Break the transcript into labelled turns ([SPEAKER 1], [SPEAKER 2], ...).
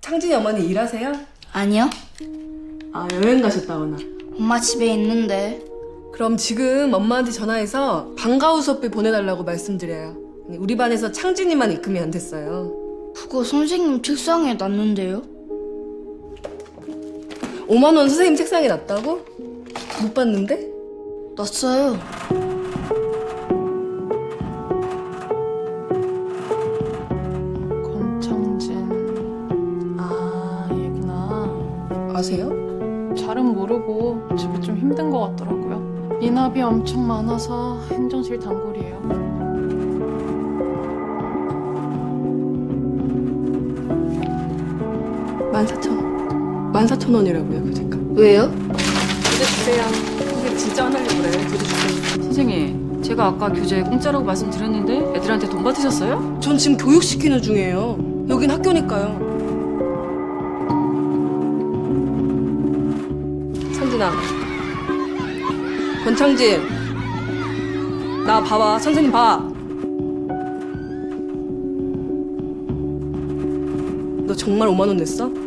[SPEAKER 1] 창진이 어머니 일하세요?
[SPEAKER 2] 아니요.
[SPEAKER 1] 아, 여행 가셨다거나.
[SPEAKER 2] 엄마 집에 있는데.
[SPEAKER 1] 그럼 지금 엄마한테 전화해서 방과후 수업비 보내달라고 말씀드려요. 우리 반에서 창진이만 입금이 안 됐어요.
[SPEAKER 2] 그거 선생님 책상에 놨는데요?
[SPEAKER 1] 5만 원 선생님 책상에 놨다고? 못 봤는데?
[SPEAKER 2] 놨어요.
[SPEAKER 3] 권창진. 아, 얘구나.
[SPEAKER 1] 아세요?
[SPEAKER 3] 잘은 모르고 집이 좀 힘든 것 같더라고요. 인압이 엄청 많아서 행정실 단골이에요.
[SPEAKER 1] 14,000원이라고요, 교재가.
[SPEAKER 2] 왜요?
[SPEAKER 1] 교재 주세요. 선생님 진짜 화나려고 그래요. 교재 주세요.
[SPEAKER 4] 선생님, 제가 아까 교재 공짜라고 말씀드렸는데 애들한테 돈 받으셨어요?
[SPEAKER 1] 전 지금 교육시키는 중이에요. 여긴 학교니까요. 창진아. 권창진. 나 봐봐. 선생님 봐. 너 정말 5만 원 냈어?